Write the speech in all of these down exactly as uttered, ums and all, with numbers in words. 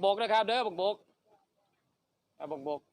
บกนะครับเด้อบกบกเอาบกบก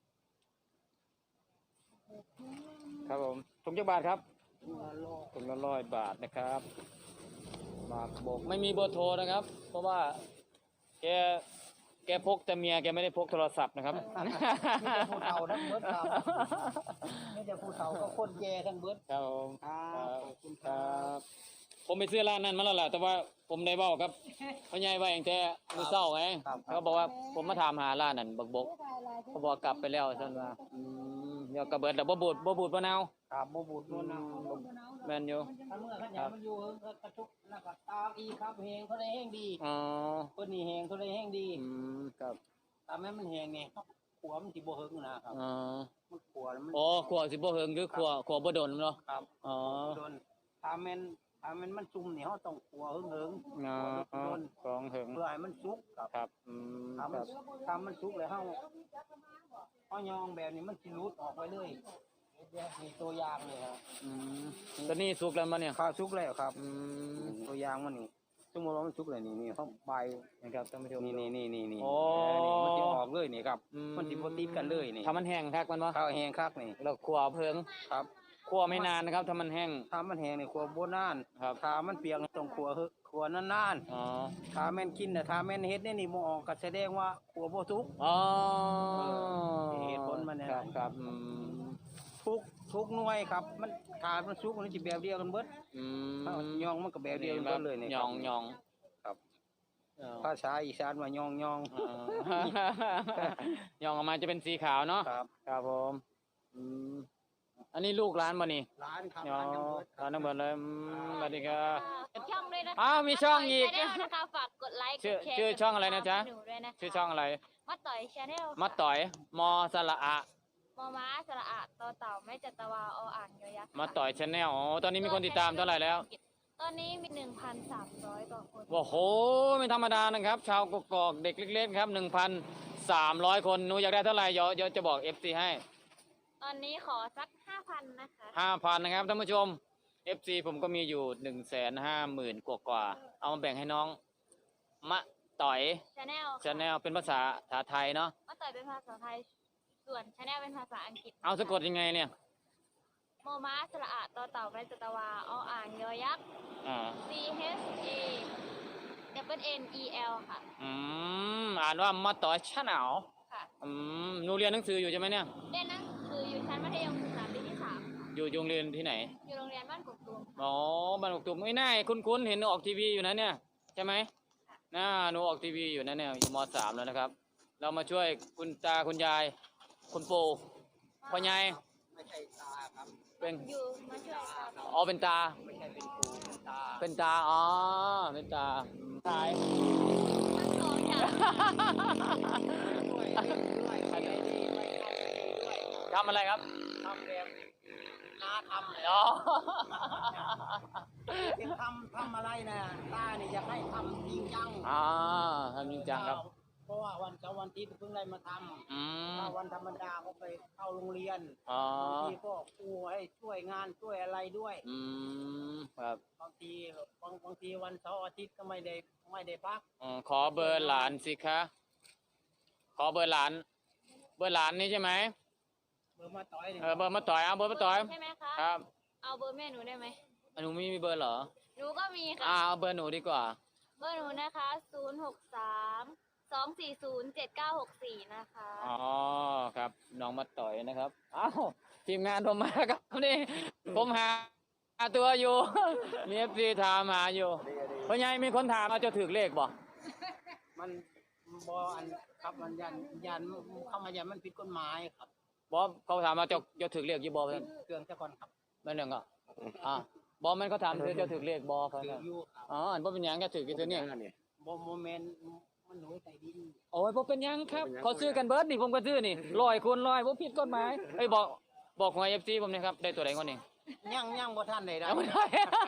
ครับผมถุงจักบาทครับถุงละร้อยบาทนะครับหมากบกไม่มีเบอร์โทรนะครับ เพราะว่าแกแกพกแต่เมียแกไม่ได้พกโทรศัพท์นะครับไม่จะผู้เฒ่าทั้งเบิดครับไม่จะผู้เฒ่าก็คนแก่ทั้งเบิดครับผมครับขอบคุณคครัรับ บผมไปซื้อร้านนั้นมาแล้วล่ะแต่ว่าผมได้เว้าครับพ่อใหญ่ว่าเองแต่มื้อเช้าไงเขาบอกว่าผมมาถามหาร้านนั้นบักบกเขาบอกกลับไปแล้วซั่นว่าอืมเดี๋ยวก็เบิดแล้วบ่บูดบ่บูดบ่นาวครับบ่บูดนู่นนะแม่นอยู่ถ้าเมื่อขันยามันอยู่กระทุกแล้วก็ตากอีครับแหงเขาได้แห้งดีอ๋อเพิ่นนี่แหงเขาได้แห้งดีอืมครับตามแม่มันแหงนี่ครับขัวมันสิบ่เฮิงนะครับอ๋อมันขัวแล้วมันอ๋อขัวสิบ่เฮิงคือขัวขัวบ่โดนเนาะครับอ๋อโดนตามแม่นตามแม่นมันจุ่มนี่เฮาต้องขัวเฮิงเฮิงอ๋อโดนของเฮิงเพื่อให้มันสุกครับครับอืมถ้าคมันรับถ้ามันสุกแล้วเฮาเฮายองแบบนี้มันสิหลุดออกไปเลยมีตัวอย่างเลยครับอืมตอนนี้สุกแล้วบ่เนี่ยข้าวสุกแล้วครับอืมตัวอย่างมันนี่สมมติว่ามันสุกเลยนี่นี่เขาใบนะครับท่านผู้ชมนี่นี่นี่นี่นี่โอ้นี่มันจะออกเลยนี่ครับอืมมันสิบ่ติดกันเลยนี่ถ้ามันแห้งคักมันบ่ข้าวแห้งคักนี่แล้วขัวเพิงครับขัวไม่นานนะครับถ้ามันแห้งถ้ามันแห้งนี่ขัวบ่นานครับถ้ามันเปียกนี่ต้องขัวเฮขัวนานอ๋อๆถ้าแม่นกินน่ะถ้าแม่นเฮ็ดนี่นี่บ่ออกก็แสดงว่าขัวบ่สุกอ๋อเหตุผลมันเนี่ยครับครับอืมทุกทุกหน่วยครับ มันถ้ามันสุกมันสิแบบเดียวกันเบิดอืถ้าม ยองมันก็แบบเดียวกันเบิดเลยนี่ยองยองครับอ๋อภาษาอีสานว่ายองยองอ๋อยองออกมาจะเป็นสีขาวเนาะครับครับผมอืมอันนี้ลูกร้านบ่นี่ร้านครับยอร้านยังเบิดร้านน้ำเบิดเลยอืมสวัสดีครับช่องด้วยนะคะอ้าวมีช่องอีกมาต่ย Channel นะคะฝากกดไลค์กชื่อดแชร์ชื่อช่องอะไรนะจ๊ะหนูด้วยนะคะชื่อช่องอะไรมาต่อยชาแนลมัดต่อยมอสระอะมอม้าสระอะต่อเต่าไม่จัตวาออ่างยอยักษ์มาต่อยชาแนลอ๋อตอนนี้มีคนติดตามเท่าไหร่แล้วตอนนี้มีหนึ่งพันสามร้อยกว่าคนโอ้โหไม่ธรรมดานะครับ ชาวกกอกเด็กเล็กๆครับหนึ่งพันสามร้อยคนหนูอยากได้เท่าไหร่เดี๋ยวเดี๋ยวจะบอก เอฟ ซี ให้ตอนนี้ขอสักห้าพันนะคะห้าพันนะครับท่านผู้ชม เอฟ ซี ผมก็มีอยู่หนึ่งแสนห้าหมื่นกว่ากว่าๆเอามาแบ่งให้น้องมะต่อยชาแนลชาแนลเป็นภาษาภาษาไทยเนาะมาต่อยเป็นภาษาไทยส่วนชาแนลเป็นภาษาอังกฤษเอาสะกดยังไงเนี่ยมอม้าสระอะต่อเต่าไม่จัตวาออ่างยอยักษ์อ่า C H A W N E L ค่ะอืมอ่านว่ามาต่อยชาแนลค่ะอืมหนูเรียนหนังสืออยู่ใช่ไหมเนี่ยเรียนหนังสืออยู่ชั้นมัธยมศึกษาปีที่สามค่ะอยู่โรงเรียนที่ไหนอยู่โรงเรียนบ้านกกตูมค่ะอ๋อบ้านกกตุมไม่น่าคุ้นๆเห็นหนูออกทีวีอยู่นะเนี่ยใช่ไหมน่าหนูออกทีวีอยู่นะเนี่ยอยู่มสามแล้วนะครับ เรามาช่วยคุณตาคุณยาย คุณปู่พ่อใหญ่ไม่ใช่ตาครับเป็นอยู่มาช่วยตาอ๋อเป็นตาไม่ใช่เป็นปูเป็นตาเป็นตาอ๋อเป็นตาตายทั้งสองอย่างด้วยด้วยใครได้ดีไม่เอาด้วยทำอะไรครับทำแบบน้าทำเลยอ๋อที่ทำทำอะไรนะตาเนี่ยอยากให้ทำจริงจังอ่าทำจริงจังครับเพราะว่าวันเสาร์วันอาทิตย์เพิ่งได้มาทอืำมถ้าวันธรรมดาก็ไปเข้าโรงเรียนอ๋อบางทีก็ครูให้ช่วยงานช่วยอะไรด้วยอืมครับบางทีบางบางทีวันเสาร์อาทิตย์ก็ไม่ได้ไม่ได้พักอ๋อขอเบอร์หลานสิคะขอเบอร์หลาน เบอร์หลานนี่ใช่ไหมเบอร์มาต่อยนี่เออเบอร์มาต่อยเอาเบอร์มาต่อยใช่ไหมคะครับเอาเบอร์แม่หนูได้ไหมอ่ะหนูไม่มีเบอร์เหรอหนูก็มีค่ะอ่าเอาเบอร์หนูดีกว่าเบอร์หนูนะคะศูนย์หกสามสองสี่ศูนย์เจ็ดเก้าหกสี่นะคะอ๋อครับน้องมาต่อยนะครับอ้าวทีมงานผมมาครับนี่ผมหาหาตัวอยู่ มีเอฟซีถามหาอยู่เพราะไงมีคนถามว่าจะถือเลขบ่มันบออันครับมันยันยันเข้ามายันมันผิดกฎหมายครับบอเขาถามว่าจะจะถือเลขยี่บอเพื่อนเครื่องเจ้าก่อนครับแม่นหนึ่งอ่ะอ่าบอมันเขาถามเธอจะถือเลขบอเพื่อนถืออยู่ครับอ๋ออันบ่เป็นหยังจะถือกี่ตัวเนี่ยบอโมเมนต์มันหนูใส่ดินโอ้ยบ่เป็นหยังครับเขาซื้อกันเบิร์ดนี่ผมก็ซื้อนี่ร้อยคูณร้อยบ่ผิดกฎหมายเอ้ยบอกบอกหวยเอฟซีผมหนะครับได้ตัวไหนก่อนนี่ยังยังบ่ท่านได้ได้ยังไม่ได้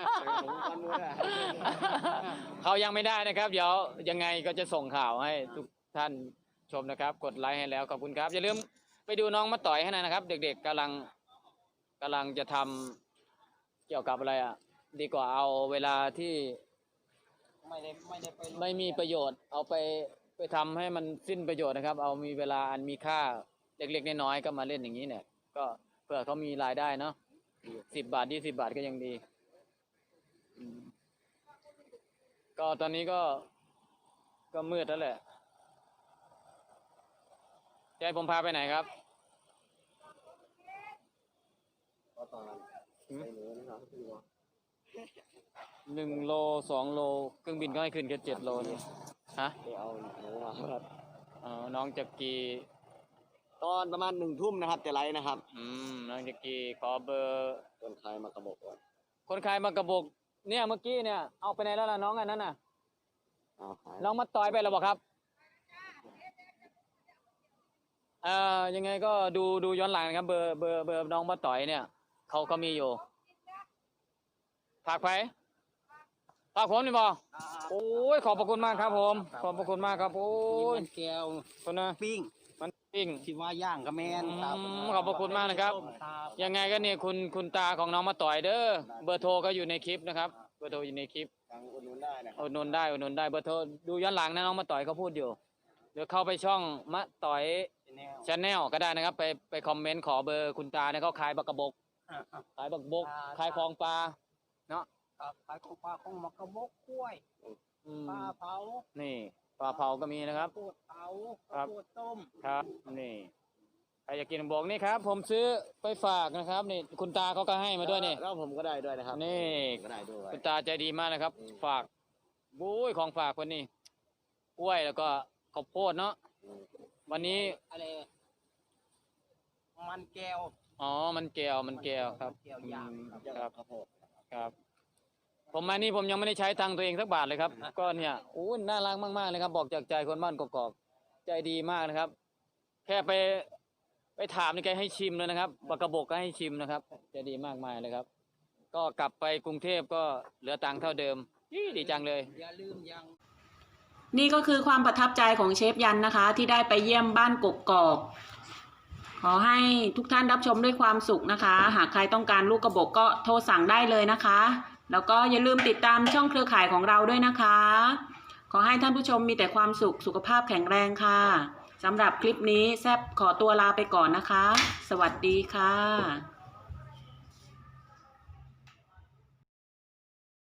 เขายังไม่ได้นะครับ เดี๋ยวยังไงก็จะส่งข่าวให้ทุกท่านชมนะครับ กดไลค์ให้แล้วขอบคุณครับ อย่าลืมไปดูน้องมาต่อยให้หน่อยนะครับ เด็กๆกำลังกำลังจะทำเกี่ยวกับอะไรอ่ะ ดีกว่าเอาเวลาที่ไม่ได้ไม่ได้ไปไม่มีประโยชน์ เอาไปไปทำให้มันสิ้นประโยชน์นะครับ เอามีเวลาอันมีค่าเล็กๆน้อยๆก็มาเล่นอย่างนี้เนี่ย ก็เพื่อเขามีรายได้เนาะสิบบาทยี่สิบาทก็ยังดีอืมก็ตอนนี้ก็ก็มืดแล้วแหละจะให้ผมพาไปไหนครับก็ตอนนั้นไปหนูนะครับพี่ว่าหนึ่งโลสองโลเครื่องบินก็ให้ขึ้นแค่เจ็ดโลนี่ฮะไปเอาหนูมาครับอ๋อน้องจักรีตอนประมาณหนึ่งทุ่มนะครับจะไลฟ์นะครับอืมน้องจักรีขอเบอร์คนขายมากระบอกก่อนคนขายมากระบอกเนี่ยเมื่อกี้เนี่ยเอาไปไหนแล้วล่ะน้องอันนั้นน่ะเอาขายน้องมาต่อยไปแล้วบอกครับเอ่อยังไงก็ดูดูย้อนหลังนะครับ เบอร์เบอร์เบอร์น้องมาต่อยเนี่ยเขาเขามีอยู่ฝากไปฝากผมนี่บอโอ้ยขอบพระคุณมากครับ ผม ขอบพระคุณมากครับโอ้ยมันแก้วคนนะปิ้งมันปิ้งที่ว่าย่างกระแมนอืมครับขอบพระคุณมากนะครับ ยังไงก็เนี่ยคุณคุณตาของน้องมาต่อยเด้อเบอร์โทรก็อยู่ในคลิปนะครับเบอร์โทรอยู่ในคลิปทางอุดหนุนได้นะครัอุดหนุนได้อุดหนุนได้เบอร์โทรดูย้อนหลังนะน้องมาต่อยเขาพูดอยู่เดี๋ยวเข้าไปช่องมะต่อยแนวชาแนลก็ได้นะครับ ไปไปคอมเมนต์ขอเบอร์คุณตาเนี่ยเขาขายบักกระบกอ่าอ่าขายบักบกขายของปลาเนาะครับขายของปลาของมักกะบกกล้วยอืมปลาเผานี่ปลาเผาก็มีนะครับโคตรเผาครับโคตรต้มครับนี่ใครอยากกินบอกนี่ครับ ผมซื้อไปฝากนะครับนี่คุณตาเขาก็ให้มาด้วยนี่แล้วผมก็ได้ด้วยนะครับนี่ผมก็ได้ด้วยคุณตาใจดีมากนะครับ ฝากบุ้ยของฝากคนนี้กล้วยแล้วก็ข้าวโพดเนาะอืมวันนี้อะไรมันแก้วอ๋อมันแก้วมันแก้วครับมันแก้วย่างอืมครับครับข้าวโพดครับ ผมมานี่ผมยังไม่ได้ใช้ตังค์ตัวเองสักบาทเลยครับ ก็เนี่ยโอ้ยน่ารักมากๆเลยครับ บอกจากใจคนบ้านกอกๆใจดีมากนะครับ แค่ไปไปถามนี่แกให้ชิมเลยนะครับบักกระบกก็ให้ชิมนะครับใจดีมากมายเลยครับ ก็กลับไปกรุงเทพก็เหลือตังค์เท่าเดิมอี้ดีจังเลยอย่าลืมยังนี่ก็คือความประทับใจของเชฟยันนะคะ ที่ได้ไปเยี่ยมบ้านกกอก ขอให้ทุกท่านรับชมด้วยความสุขนะคะ หากใครต้องการลูกกระบอกก็โทรสั่งได้เลยนะคะ แล้วก็อย่าลืมติดตามช่องเครือข่ายของเราด้วยนะคะ ขอให้ท่านผู้ชมมีแต่ความสุขสุขภาพแข็งแรงค่ะสำหรับคลิปนี้แซบขอตัวลาไปก่อนนะคะ สวัสดีค่ะ